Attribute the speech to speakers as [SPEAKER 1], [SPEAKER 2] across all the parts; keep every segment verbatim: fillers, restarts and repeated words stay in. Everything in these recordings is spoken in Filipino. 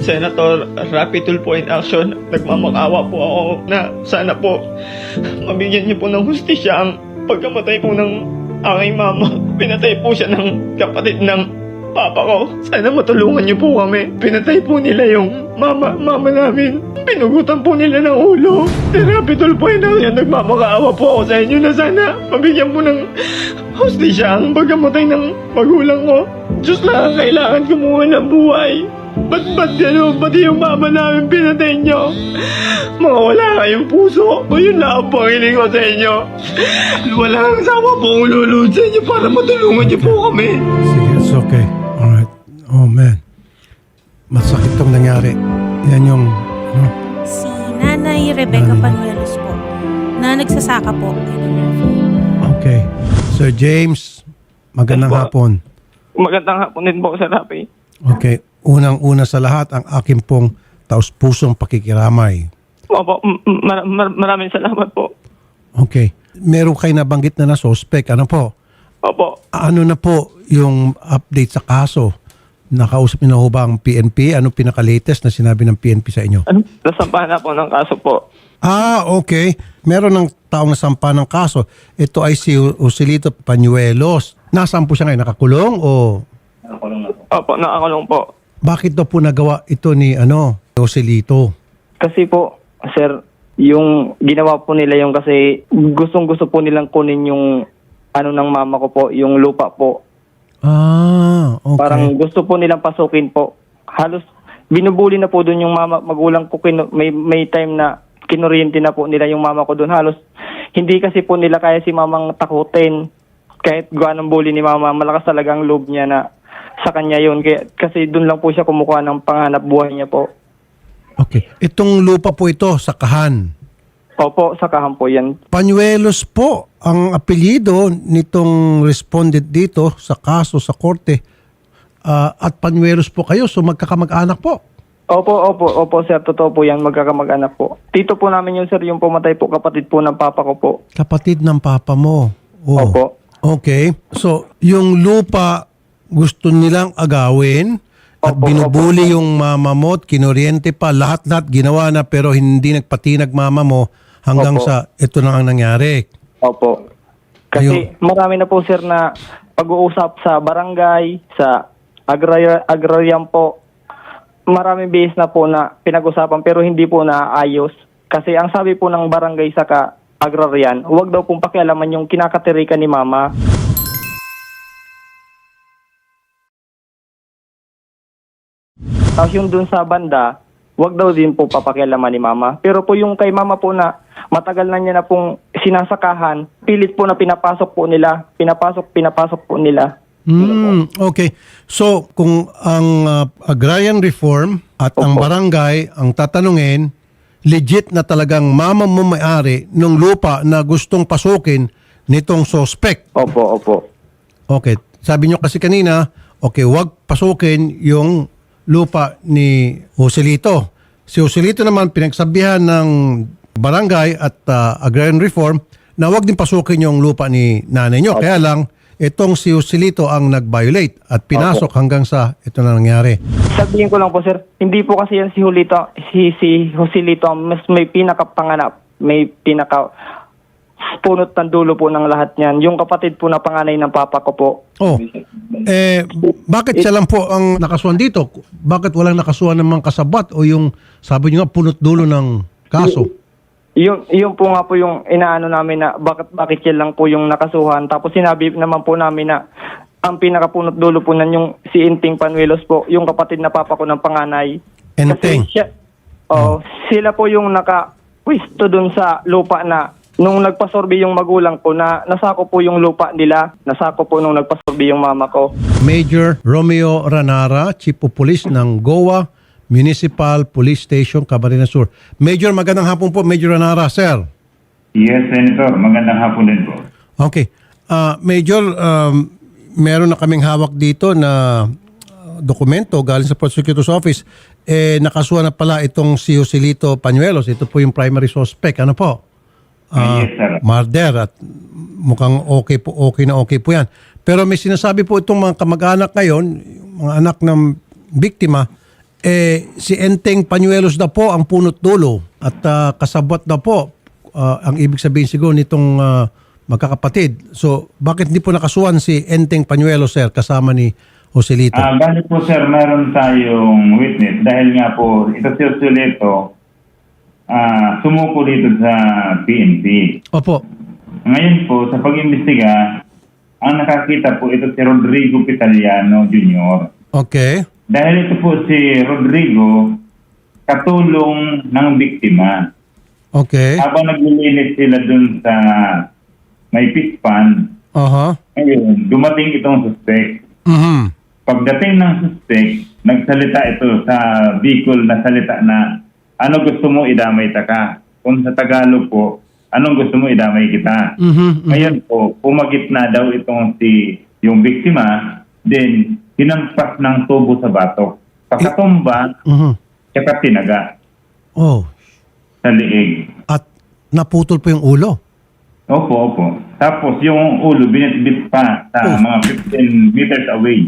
[SPEAKER 1] Senator Rapi Tulfo in action, nagmamakaawa po ako na sana po mabigyan niyo po ng hustisya ang pagkamatay po ng aking mama. Pinatay po siya ng kapatid ng papa ko. Sana matulungan niyo po kami. Pinatay po nila yung mama, mama namin. Pinugutan po nila ng ulo. Si Rapi Tulfo in action, nagmamakaawa po ako sa inyo na sana mabigyan po ng hustisya ang pagkamatay ng magulang ko. Diyos lang, kailangan kumuha ng buhay. Ba't ba't gano'n? Pati yung mama namin pinatay nyo. Mga wala kayong puso. O yun lang ang pangiling ko sa inyo. Wala kang sama pong lulod sa inyo para matulungan niyo po kami.
[SPEAKER 2] Sige, it's okay. Alright. Oh man. Masakit tong nangyari. Yan yung... Ano?
[SPEAKER 3] Si Nanay Rebecca Panuelos po, na nagsasaka po.
[SPEAKER 2] Okay. Sir James, magandang
[SPEAKER 1] Yes, po.
[SPEAKER 2] hapon.
[SPEAKER 1] Magandang hapon din po sa Rapi.
[SPEAKER 2] Okay. Unang-una sa lahat, ang aking pong taus-pusong pakikiramay.
[SPEAKER 1] Opo, mar- mar- maraming salamat po.
[SPEAKER 2] Okay. Meron kayo nabanggit na na suspect. Ano po?
[SPEAKER 1] Opo.
[SPEAKER 2] Ano na po yung update sa kaso? Nakausap niyo na ho ba ang P N P? Ano pinaka-latest na sinabi ng P N P sa inyo?
[SPEAKER 1] Ano? Nasampahan na po ng kaso po.
[SPEAKER 2] Ah, okay. Meron ng taong nasampa ng kaso. Ito ay si Joselito Panuelos. Nasaan po siya ngayon? Nakakulong o
[SPEAKER 1] Opo, nakakulong po.
[SPEAKER 2] bakit daw po nagawa ito ni ano, Joselito?
[SPEAKER 4] Kasi po, sir, yung ginawa po nila yung kasi gustong gusto po nilang kunin yung ano ng mama ko po, yung lupa po.
[SPEAKER 2] Ah, okay.
[SPEAKER 4] Parang gusto po nilang pasukin po. Halos binubuli na po doon yung mama, magulang ko. Kinu- may, may time na kinuryente na po nila yung mama ko doon. Halos hindi kasi po nila kaya si mamang takutin. Kahit gaano bully ni mama, malakas talaga ang loob niya na sa kanya yun. Kaya, kasi doon lang po siya kumukuha ng panghanap buhay niya po.
[SPEAKER 2] Okay. Itong lupa po ito sa Kahan.
[SPEAKER 4] Opo, sakahan po yan.
[SPEAKER 2] Panuelos po ang apelyido nitong respondent dito sa kaso sa korte. Ah, at Panuelos po kayo, so magkakamag-anak po.
[SPEAKER 4] Opo, opo, opo sir, totoo po yan, magkakamag-anak po. Tito po namin yun sir, yung pumatay po, kapatid po ng papa ko po.
[SPEAKER 2] Kapatid ng papa mo. Oh.
[SPEAKER 4] Opo.
[SPEAKER 2] Okay. So, yung lupa gusto nilang agawin at
[SPEAKER 4] Opo,
[SPEAKER 2] binubuli yung mama mo at kinuryente pa. Lahat-lahat ginawa na pero hindi nagpatinag mama mo hanggang
[SPEAKER 4] Opo.
[SPEAKER 2] sa ito na ang nangyari.
[SPEAKER 4] Opo. Kasi marami na po sir na pag-uusap sa barangay, sa agrarya, agrarian po. Maraming bihis na po na pinag-usapan pero hindi po naayos. Kasi ang sabi po ng barangay sa ka agrarian, huwag daw pong pakialaman yung kinakatirikan ni mama. Tapos yung dun sa banda, wag daw din po papakialaman ni mama. Pero po yung kay mama po na matagal na niya na pong sinasakahan, pilit po na pinapasok po nila. Pinapasok, pinapasok po nila.
[SPEAKER 2] Hmm, okay. So, kung ang uh, agrarian reform at ang
[SPEAKER 4] Opo.
[SPEAKER 2] barangay ang tatanungin, legit na talagang mama mo may-ari ng lupa na gustong pasukin nitong suspect.
[SPEAKER 4] Opo, opo.
[SPEAKER 2] Okay. Sabi nyo kasi kanina, okay, wag pasukin yung lupa ni Joselito. Si Joselito naman pinagsabihan ng barangay at uh, agrarian reform na wag din pasukin yung lupa ni nanay nyo. Kaya lang, itong si Joselito ang nag-violate at pinasok hanggang sa ito na nangyari.
[SPEAKER 4] Sabihin ko lang po sir, hindi po kasi yan si Julito, si, si Joselito, mas may pinakapanganap, may pinaka punot ng dulo po ng lahat niyan. Yung kapatid po na panganay ng papa ko po.
[SPEAKER 2] Oh, eh, bakit siya lang po ang nakasuhan dito? Bakit walang nakasuhan ng mga kasabat o yung, sabi nyo nga, punot dulo ng kaso?
[SPEAKER 4] Yung, yung po nga po yung inaano namin na bakit, bakit yan lang po yung nakasuhan. Tapos sinabi naman po namin na ang pinakapunot dulo po nan yung si Inting Panuelos po, yung kapatid na papa ko ng panganay.
[SPEAKER 2] Enteng.
[SPEAKER 4] Kasi siya, oh, sila po yung naka-pwisto dun sa lupa na nung nagpasorbi yung magulang ko na nasako po yung lupa nila, nasako po nung nagpasorbi yung mama ko.
[SPEAKER 2] Major Romeo Ranara, Chief of Police ng Goa Municipal Police Station, Camarines Sur. Major, magandang hapon po, Major Ranara, sir.
[SPEAKER 5] Yes, Senator. Magandang hapon din po.
[SPEAKER 2] Okay. Ah, Major, um, meron na kaming hawak dito na uh, dokumento galing sa Prosecutor's Office. Eh, nakasuha na pala itong si Joselito Panuelos. Ito po yung primary suspect. Ano po? Ah,
[SPEAKER 5] Yes, sir.
[SPEAKER 2] Murder at mukhang okay po, okay na okay po yan. Pero may sinasabi po itong mga kamag-anak ngayon, yung mga anak ng biktima, eh, si Enteng Pañuelos na po ang punot dulo at ah, kasabwat na po ah, ang ibig sabihin siguro nitong ah, magkakapatid. So, bakit hindi po nakasuhan si Enteng Pañuelos, sir, kasama ni Joselito?
[SPEAKER 5] Ah, bali po sir, meron tayong witness dahil nga po ito si Joselito ah sumuko dito sa P N P.
[SPEAKER 2] Opo.
[SPEAKER 5] Ngayon po, sa pag-imbestiga, ang nakakita po ito si Rodrigo Pitaliano Junior
[SPEAKER 2] Okay.
[SPEAKER 5] Dahil ito po si Rodrigo, katulong ng biktima.
[SPEAKER 2] Okay.
[SPEAKER 5] Habang naglilinis sila dun sa may fish pond,
[SPEAKER 2] Aha.
[SPEAKER 5] ngayon, dumating itong suspect.
[SPEAKER 2] Mhm.
[SPEAKER 5] Pagdating ng suspect, nagsalita ito sa vehicle na salita na, ano gusto mo idamay ta ka? Kung sa Tagalog po, anong gusto mo idamay kita?
[SPEAKER 2] Mhm.
[SPEAKER 5] Ngayon po, pumagit na daw itong si yung biktima, then hinampas ng tubo sa batok. Pagkatumba,
[SPEAKER 2] Mhm.
[SPEAKER 5] tsaka tinaga
[SPEAKER 2] Oh.
[SPEAKER 5] sa liig.
[SPEAKER 2] At naputol po yung ulo.
[SPEAKER 5] Opo, opo. Tapos yung ulo, binitbit pa sa
[SPEAKER 2] Oh.
[SPEAKER 5] mga fifteen meters away.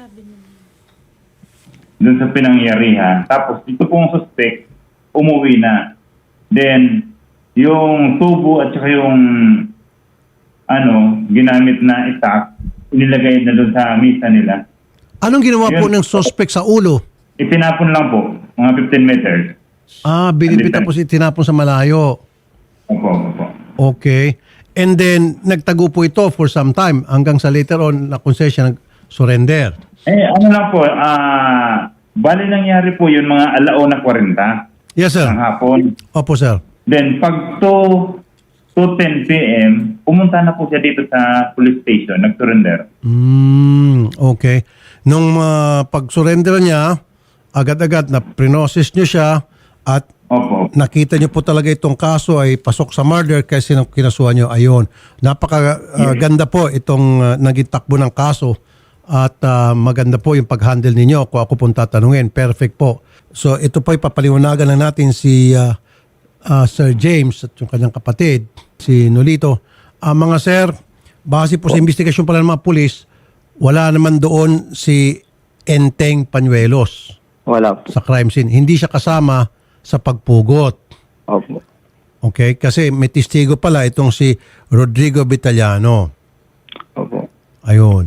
[SPEAKER 5] Doon sa pinangyarihan. Tapos ito pong suspect, umuwi na. Then, yung tubo at saka yung ano, ginamit na itak, inilagay na doon sa misa nila.
[SPEAKER 2] Anong ginawa po
[SPEAKER 5] Yun.
[SPEAKER 2] ng suspect sa ulo?
[SPEAKER 5] Itinapon lang po, mga fifteen meters.
[SPEAKER 2] Ah, binibit tapos itinapon sa malayo.
[SPEAKER 5] Opo, opo.
[SPEAKER 2] Okay. And then, nagtago po ito for some time hanggang sa later on na kung siya nag-surrender.
[SPEAKER 5] Eh, ano lang po, ah, bali nangyari po yun mga alauna forty
[SPEAKER 2] Yes, sir.
[SPEAKER 5] ng hapon.
[SPEAKER 2] Opo, sir.
[SPEAKER 5] Then, pag two ten p.m., pumunta na po siya dito sa police station, nag-surrender.
[SPEAKER 2] Mm, okay. Nung uh, pag-surrender niya, agad-agad na prinosis niyo siya at
[SPEAKER 5] Opo.
[SPEAKER 2] nakita niyo po talaga itong kaso ay pasok sa murder kasi nang kinasuhan niyo. Ayun. Napaka uh, ganda po itong uh, naging takbo ng kaso at uh, maganda po yung pag-handle ninyo kung ako pong tatanungin. Perfect po. So ito po ipapaliwanagan lang natin si uh, uh, Sir James at yung kanyang kapatid, si Nolito. Uh, mga sir, base po sa investigasyon pala ng mga pulis, wala naman doon si Enteng Pañuelos
[SPEAKER 4] Wala po.
[SPEAKER 2] sa crime scene. Hindi siya kasama sa pagpugot.
[SPEAKER 4] Opo.
[SPEAKER 2] Okay? Kasi may testigo pala itong si Rodrigo Vitaliano.
[SPEAKER 4] Opo.
[SPEAKER 2] Ayun.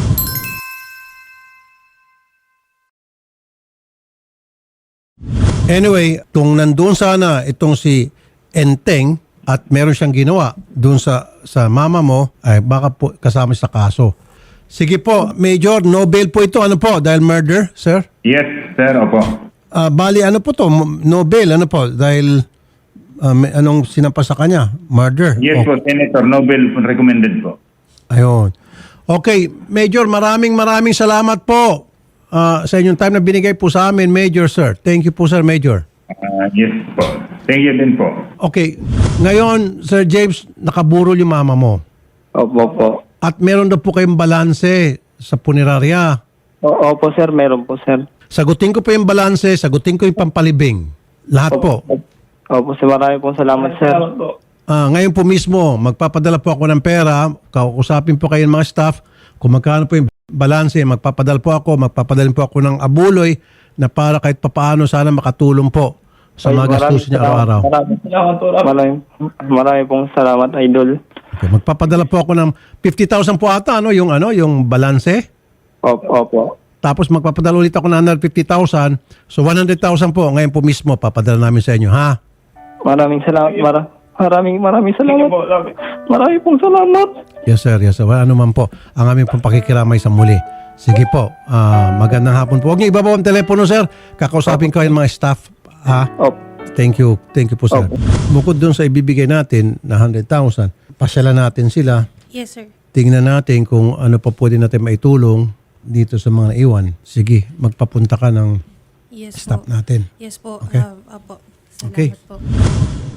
[SPEAKER 2] Anyway, kung nandun sana itong si Enteng at meron siyang ginawa doon sa sa mama mo, ay baka po kasama sa kaso. Sige po, Major, no bail po ito. Ano po? Dahil murder, sir?
[SPEAKER 5] Yes, sir, opo.
[SPEAKER 2] Ah, bali, ano po to? No bail, ano po? Dahil ah, may, anong sinampas sa kanya? Murder?
[SPEAKER 5] Yes
[SPEAKER 2] Oh,
[SPEAKER 5] po, Senator, Nobel recommended po.
[SPEAKER 2] ayun. Okay, Major, maraming maraming salamat po ah, sa inyong time na binigay po sa amin, Major, sir. Thank you po, sir, Major.
[SPEAKER 5] Ah, yes po. Thank you din po.
[SPEAKER 2] Okay, ngayon, Sir James, nakaburol yung mama mo.
[SPEAKER 4] Opo po.
[SPEAKER 2] At meron daw po kayong balanse sa punerarya.
[SPEAKER 4] O- Opo sir, meron po sir.
[SPEAKER 2] Sagutin ko po yung balanse, sagutin ko yung pampalibing. Lahat po.
[SPEAKER 4] Opo sir, marami po salamat sir.
[SPEAKER 2] Ah, ngayon po mismo, magpapadala po ako ng pera, kausapin po kayo ng mga staff, kung magkano po yung balanse, magpapadala po ako, magpapadala po ako ng abuloy na para kahit papaano sana makatulong po sa
[SPEAKER 4] Ay,
[SPEAKER 2] mga gastusin niya
[SPEAKER 4] salamat.
[SPEAKER 2] araw-araw.
[SPEAKER 4] Maraming salamat po. Maraming, marami pong salamat, idol.
[SPEAKER 2] Okay, magpapadala po ako ng fifty thousand po ata, ano, yung, ano, yung balanse.
[SPEAKER 4] Opo, opo.
[SPEAKER 2] Tapos magpapadala ulit ako ng one hundred fifty thousand. So one hundred thousand po, ngayon po mismo, papadala namin sa inyo, ha?
[SPEAKER 4] Maraming salamat. Mara, maraming maraming salamat. Maraming pong salamat.
[SPEAKER 2] Yes sir, yes sir. Wala naman po. Ang aming pong pakikiramay sa muli. Sige po, ah, magandang hapon po. Huwag niyo ibabaw ang telepono sir. Kakausapin ko yung mga staff. Ha?
[SPEAKER 4] Opo.
[SPEAKER 2] Thank you. Thank you po sir. Bukod dun sa ibibigay natin na one hundred thousand, pasyalan natin sila.
[SPEAKER 3] Yes, sir.
[SPEAKER 2] Tingnan natin kung ano pa pwede natin maitulong dito sa mga iwan. Sige, magpapunta ka ng
[SPEAKER 3] Yes
[SPEAKER 2] staff
[SPEAKER 3] po.
[SPEAKER 2] natin.
[SPEAKER 3] Yes po.
[SPEAKER 2] Okay.
[SPEAKER 3] Ah, apo. Salamat
[SPEAKER 2] Okay.
[SPEAKER 3] po.